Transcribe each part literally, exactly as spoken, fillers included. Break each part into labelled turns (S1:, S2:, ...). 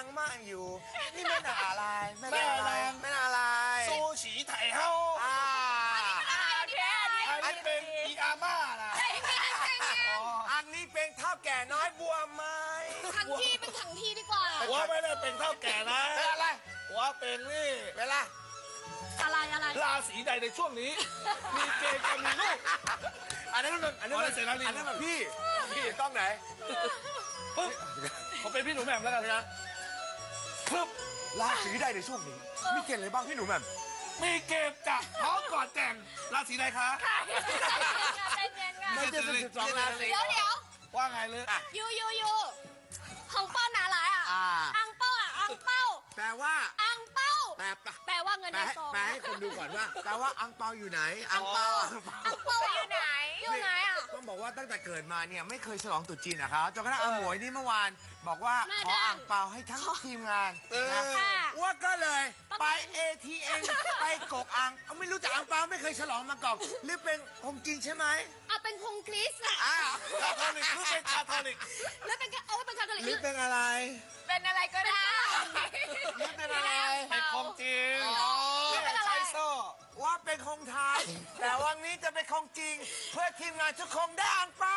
S1: งมั่งอยู่นี่แม่นาอะไรแม่นาอะไรแม่นาอะไร
S2: ซูชิไถเฮา
S1: อ่า
S3: โอเคอันนี้
S2: อันนี้เป็นอีอาม่านะ
S1: อันนี้เป็นเท่าแก่น้อยบัวไม้
S3: ทั้งที่เป็นทั้งที่ดีกว่า
S2: หัวไม่ได้เป็นเท่าแก่นะ
S1: เป็นอะไร
S2: หัวเป็นนี่
S1: เป็นอะไร
S3: อะไรอะไร
S2: ราศีใดในช่วงนี้ มีเกณฑ์จะมีลูก
S1: อันนั้นมันอันนั้นมัน
S2: อ๋อเสร็จแล้วนี่
S1: อันนั้นมันพี่พี่ต้องไหน
S2: ปึ๊บผมเป็นพี่หนูแหม่มแล้วกันนะ
S1: ปึ๊บราศีใดในช่วงนี้มีเกณฑ์อะไรบ้างพี่หนูแหม่ม
S2: มีเกณฑ์จะท้องก่อนแต่งราศีใดคะ
S3: ใจเย็นๆ
S1: ไม่ใช่สิบสองราศี
S3: เดี๋ยวเดี๋ยว
S2: ว่าไงเลย
S3: ยูยูยูของเป้าหนาหลายอ่ะ
S1: อ่า
S3: อังเป้าอ่ะอังเป้า
S1: แปลว่า
S3: อังเป้า
S1: แปลปะ
S3: แปลว่าเงิน
S1: แปล
S3: ใน
S1: ให้
S3: ซอง
S1: แปลให้คนดูก่อนว่าแปลว่าอังเปาอยู่ไหนอังเปาอังเปา
S3: อังเป้าอยู่ไหนอยู่ไหนอ่ะ
S1: ต้องบอกว่าตั้งแต่เกิดมาเนี่ยไม่เคยฉลองตรุษจีนนะครับจนกระทั่งอาหมวยนี่เมื่อวานบอกว่า
S3: แม่
S1: ขอ
S3: ดัง
S1: อ่างเปาให้ทั้งทีมงาน
S2: เออ
S1: นะ
S3: ค่ะ
S1: ว่าก็เลยไป เอ ที เอ็ม ไปกกอ่างเอาไม่รู้จักอ่างเปาไม่เคยฉลองมาก่อนหรือเป็นของจริงใช่ไหม
S3: เอาเป็นคงคริสอ่ะ
S1: อ้าว
S2: คาทอลิกหรือเป็นคาทอลิก
S3: แล้วเป็นเอาไว้เป็นคาทอลิก
S1: หรือเป็นอะไร
S3: เป็นอะไรก็ได้
S1: หรือเป็นอะไร
S2: เป็นของจริง
S1: อ๋อ
S2: เนี่ยใช้โซ่
S1: ว่าเป็นคงไทยแต่วันนี้จะเป็นของจริง เพื่อทีมงานทุกคนได้อ่างเปา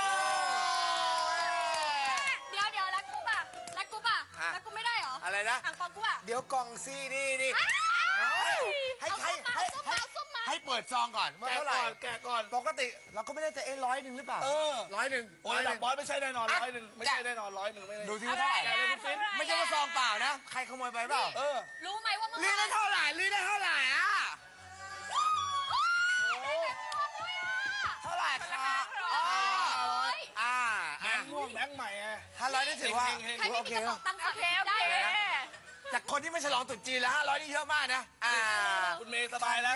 S3: เดี๋ยวเดี๋ยวแล้วกูป่ะแล้วกูป่ะ
S1: ฮะ
S3: แล้วกูไม่ได้เหรอ
S1: อะไรนะ
S3: อ่างเปากูอ่ะ
S1: เดี๋ยวกล่องซีนี่นี่ ให้
S3: เอา
S1: ให้
S3: ส้มมา
S1: ให้
S3: ส้มมาส้มมา
S1: ให้เปิดซองก่อนว่า
S2: แกะ
S1: เท่าไหร่
S2: ก่อนแกะก่อน
S1: ปกติเราก็ไม่ได้จะเอ้ร้อยหนึ่งหรือเปล่า
S2: เออ
S1: ร้อยหนึ่ง
S2: โอ้ย
S1: ร้อยห
S2: ดั
S1: นึ่
S2: ก
S1: ง
S2: บอสไม่ใช่แน่นอนร้อยหนึ่งไม่ใช่แน่นอนร้อยหนึ่งไม่ได้
S1: ดูทีว่าเท่าไหร่
S2: แกะเลยคุณฟิน
S1: ไม่ใช่ว่าซองเปล่านะ ใครขโมยไปเปล่า
S2: เออ
S3: รู้ไหมว่าเมื่อ
S1: ลี
S3: วา
S1: ได้
S3: น
S1: เท่าไหร่ลีได้เท่าไหร่อ่ะเท่าไหร่คะอ๋ออ่า
S2: แบ
S1: อ่าง
S2: ค์ม่วงแบงค์ใหม่ไง
S1: ห้าร้อยนี่ถือว่า
S2: เฮงๆ
S3: ใคร
S1: ถือ
S3: ไม่
S1: ว่าโอ
S3: มี
S1: เค
S3: กระ
S1: แล้
S3: เป๋าว ตังค์ฝากได้
S1: เลยนะ จากคนที่ไม่ฉลองตรุษจีนแล้วห้าร้อยนี่เยอะมากนะอ่า
S2: คุณเมย์สบายแล้ว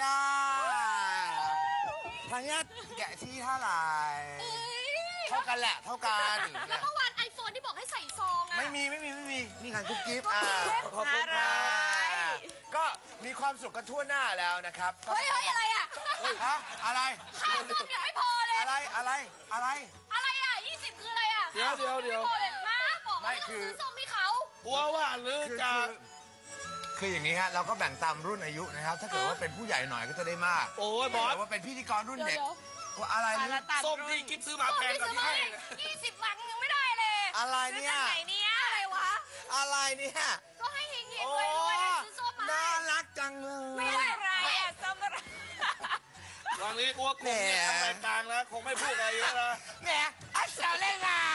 S1: ทางญาติแกะที่เท่าไหร่
S3: เอ้ย
S1: เท่ากันแหละ เท่ากัน
S3: แล้วเมื่อวานไอโฟนที่บอกให้ใส่ซองอะ
S1: ไม่มีไม่มีไม่มี นี่ค่ะกุ๊กกิ๊บอ่า
S2: ขอบคุณครับ
S1: ก็มีความสุขกันทั่วหน้าแล้วนะครับ
S3: เฮ้ยเฮ้ยอะไรอ่ะ
S1: ฮะอะไร
S3: ค่าซ่อมยังไม่พอเลย
S1: อะไร อะไร อะไร
S3: อะไรอ่ะยี่สิบคืออะไรอ่ะ
S2: เดี๋ยวเดี๋ยวเดี๋ยว
S3: ไม่พอเลยมาบอก
S1: ไม่
S3: ว่า
S1: คือ
S3: ซื้อส้มให้เขา
S2: กลัวว่าหรือ
S1: คือ
S2: จะ
S1: คือคืออย่างนี้ฮะ เราก็แบ่งตามรุ่นอายุนะครับ ถ้าเกิดว่าเป็นผู้ใหญ่หน่อยก็จะได้มาก
S2: โอ้ยบ
S1: ถ้า
S2: อส
S1: เกิดว่าเป็นพิธีกรรุ่น
S3: เดี๋ยว
S1: เด็ก
S3: เดี๋ยว
S1: ว่าอะไรนี่
S2: ส้มที่กิ๊บซื้อมาแพงกว่าที่ให้
S3: ยี่สิบบาทยังไม่ได้เลย
S1: อะไรเนี่ย
S3: ซื้อจากไหนเนี่ยอะไรวะ
S1: อะไรเนี่ย
S3: ก็ให้เฮงเฮง
S1: โอ้
S3: รวยรวยซื้อส้มมา
S1: น่ารักจังเลย
S3: ไม่ได้อะไรอ่ะส้มอะไร
S2: ตอนนี้กลัวกลุ่มเนี่ยทางรายการแล้วคงไม่พูดอะไรเยอะนะ
S1: แหมอัศเสาเล่นอ่ะ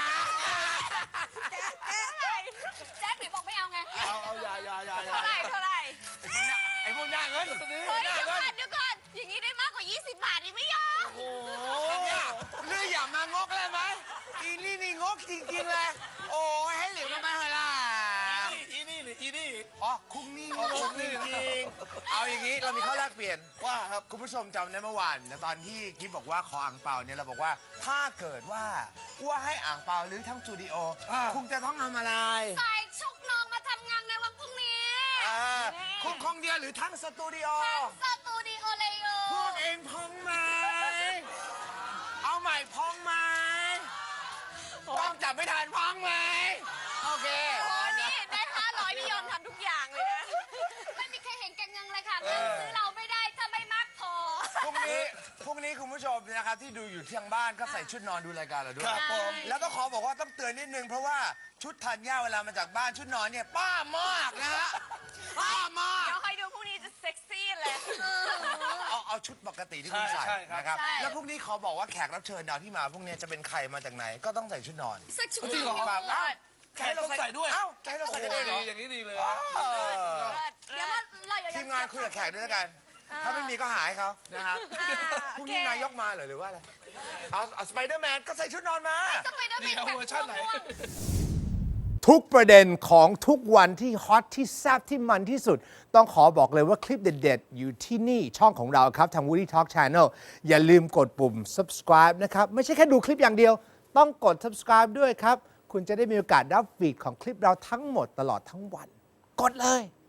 S3: แจ๊คหรือบอกไม่เอาไง
S2: เอาเอาอย่าอย่าอย่าอย่า
S3: เท่าไหร่เท่าไหร่
S1: ไอ้พวกหน้าเงิน
S3: เฮ้ยเดี๋ยวก่อนเดี๋ยวก่อนอย่างนี้ได้มากกว่ายี่สิบบาทนี่ไม่ยอม
S2: โอ้โห
S1: เนี่ยเรื่องอย่ามางกเลยไหมอีนี่นี่งกจริงๆเลย โอ้ยให้เหลียวกันไปเถอะล่ะ
S2: อีนี่หรืออีนี่
S1: อ๋อคุ้งนี่ง
S2: อ๋อก คุ้ง
S1: จ
S2: นี่
S1: ริงๆเอาอย่างนี้เรามีข้อแลกเปลี่ยน
S2: ว่าครับ
S1: คุณผู้ชมจำได้เมื่อวานนะตอนที่กิ๊บบอกว่าขออ่างเปาเนี่ยเราบอกว่าถ้าเกิดว่าว่าให้อ่างเปาหรือทั้งสตูดิโอ
S2: อ่า
S1: คุณจะต้องทำอะไร
S3: ใส่ชุกน้องมาทำงานในวันพรุ่งนี้
S1: อ่าคุณคงเดียวหรือทั้งสตูดิโอ
S3: สตูดิโอเลยโอ
S1: พวกเองพองไหมเอาใหม่พองไหมต้องจับไม่ทันพองไหมโอเค
S3: โอ้นี่ได้ห้าร้อยนี่ยอมทำทุกอย่างเลยนะ ไม่มีใครเห็นแกงเงินเลยค่ะเงินซื้อเราไม่ได้ถ้าไม่มากพอ
S1: พรุ่งนี้พรุ่งนี้คุณผู้ชมนะครับที่ดูอยู่ที่ทางบ้านก็ใส่ชุดนอนดูรายการเราด้ว
S2: ค
S1: ย
S2: รับผม
S1: แล้วก็ขอบอกว่าต้องเตือนนิดนึงเพราะว่าชุดทันย่าเวลามาจากบ้านชุดนอนเนี่ยป้ามากนะฮะป้ามาก
S3: เดี๋ยวคอยดูพรุ่งนี้จะเซ็กซี่เลย
S1: เอาเอาชุดปกติที่คุณ
S2: ใช่
S1: ใส่
S2: ใช่ครับ
S1: นะครับ
S3: ใช่
S1: แล้วพรุ่งนี้ขอบอกว่าแขกรับเชิญเราที่มาพรุ่งนี้จะเป็นใครมาจากไหนก็ต้องใส่ชุดนอน
S3: เซ็กซี่
S2: จริงเหรอ
S1: แบบเอ้า
S2: แขกต้องใส่ด้วย
S1: เอ้าจะให้เรา
S2: โอ้
S1: ใส่
S2: โห
S1: กันเลยเหร
S2: ดี
S1: อ
S2: อย่างนี้ดีเลย
S1: เออ
S3: เดี๋ยวว่าเราอย่
S1: ทีมงานคุยกับแขกด้วยแล้วกัน ถ้าไม่มีก็หายเขานะครับพรุ่งนี้นายกมาเหรอหรือว่าอะไรเอาเอาสไปเดอร์แมนก็ใส่ชุดนอนมา
S3: จะไปได้
S2: นี่เอาเวอร์ชันไหน
S4: ทุกประเด็นของทุกวันที่ฮอตที่แซ่บที่มันที่สุด ต้องขอบอกเลยว่าคลิปเด็ดๆ อยู่ที่นี่ช่องของเราครับ ทาง Woody Talk Channel อย่าลืมกดปุ่ม subscribe นะครับ ไม่ใช่แค่ดูคลิปอย่างเดียว ต้องกด subscribe ด้วยครับ คุณจะได้มีโอกาสรับฟีดของคลิปเราทั้งหมดตลอดทั้งวัน กดเลย